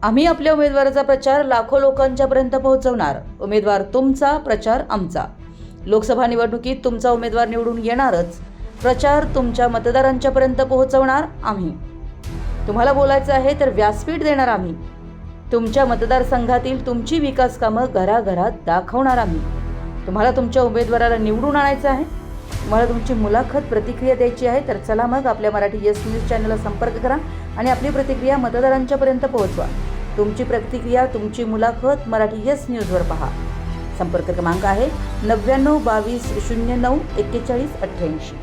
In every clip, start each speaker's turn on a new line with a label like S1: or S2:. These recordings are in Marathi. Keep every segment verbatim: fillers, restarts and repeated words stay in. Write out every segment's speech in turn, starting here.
S1: आम्ही आपल्या उमेदवाराचा प्रचार लाखो लोकांच्या पर्यंत पोहोचवणार। उमेदवार तुमचा, प्रचार आमचा। लोकसभा निवडणुकीत तुमचा उमेदवार निवडून येणारच, प्रचार तुमच्या मतदारांच्या पर्यंत पोहोचवणार आम्ही। तुम्हाला बोलायचं आहे तर व्यासपीठ देणार आम्ही। तुमच्या मतदारसंघातील तुमची विकास कामं घराघरात दाखवणार आम्ही। तुम्हाला तुमच्या उमेदवाराला निवडून आणायचं आहे, तुम्हाला तुमची मुलाखत प्रतिक्रिया द्यायची आहे, तर चला मग आपल्या मराठी यस न्यूज चॅनलला संपर्क करा आणि आपली प्रतिक्रिया मतदारांच्या पर्यंत पोहोचवा। तुमची प्रतिक्रिया, तुमची मुलाखत मराठी यस न्यूजवर पहा। संपर्क क्रमांक आहे नव्याण्णव बावीस शून्य नऊ एक्केचाळीस अठ्ठ्याऐंशी।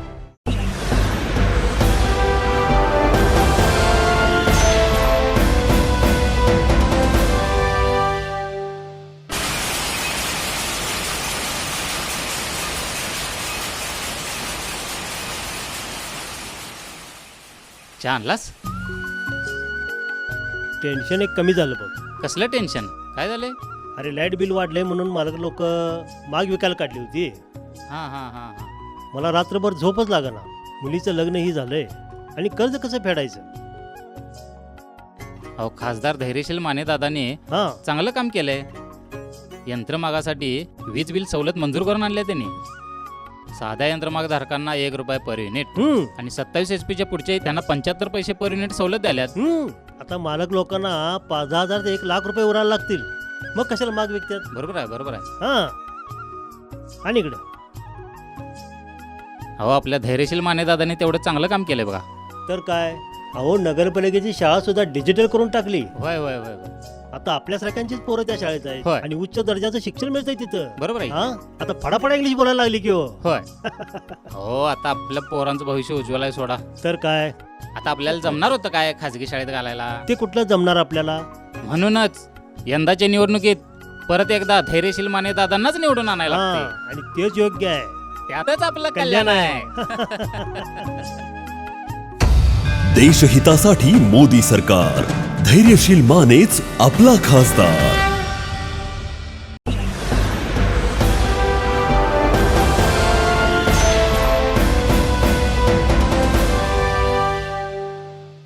S2: चहा आणलास?
S3: टेन्शन एक कमी झालं बघ।
S2: कसलं टेन्शन? काय झालंय?
S3: अरे लाईट बिल वाढले म्हणून मालक लोक माग विकायला काढली होती।
S2: हां हां हां हां
S3: मला रात्रभर झोपच लागना। मुलीचं लग्नही झालंय आणि कर्ज कसं फेडायचं?
S2: अहो, खासदार धैर्यशील माने दादाने
S3: हा
S2: चांगलं काम केलंय। यंत्रमागासाठी वीज बिल सवलत मंजूर करून आणल्या त्यांनी। साध्या यंत्रमाग धारकांना एक रुपये पर युनिट
S3: हम्म
S2: आणि सत्तावीस एच पीच्या पुढचे त्यांना पंच्याहत्तर पैसे पर युनिट सवलत द्याल्यात।
S3: हम्म आता मालक लोकांना पाच दहा हजार ते एक लाख रुपये उरायला लागतील, मग कशाला माग विकतात?
S2: बरोबर आहे, बरोबर आहे।
S3: हा आणि इकडे
S2: अहो, आपल्या धैर्यशील माने दादाने तेवढं चांगलं काम केलंय बघा।
S3: तर काय, अहो नगरपालिकेची शाळा सुद्धा डिजिटल करून टाकली।
S2: होय होय होय होय
S3: आता आपल्यासारख्यांचीच पोरं त्या शाळेत आहेत
S2: होय.
S3: आणि उच्च दर्जाचं शिक्षण मिळतंय तिथं।
S2: बरोबर आहे।
S3: हा आता फडाफडा इंग्लिश बोलायला लागली की हो।
S2: होय हो, आता आपल्या पोरांचं भविष्य उज्ज्वल आहे सोडा।
S3: तर काय,
S2: आता आपल्याला जमणार होतं काय खाजगी शाळेत घालायला?
S3: ते कुठलं जमणार आपल्याला?
S2: म्हणूनच यंदाच्या निवडणुकीत परत एकदा धैर्यशील माने दादांनाच निवडून आणायला
S3: हा,
S2: लागते।
S3: आणि तेच योग्य आहे।
S2: त्यातच आपलं कल्याण आहे।
S4: देशहितासाठी मोदी सरकार, धैर्यशील मानेच आपला खासदार।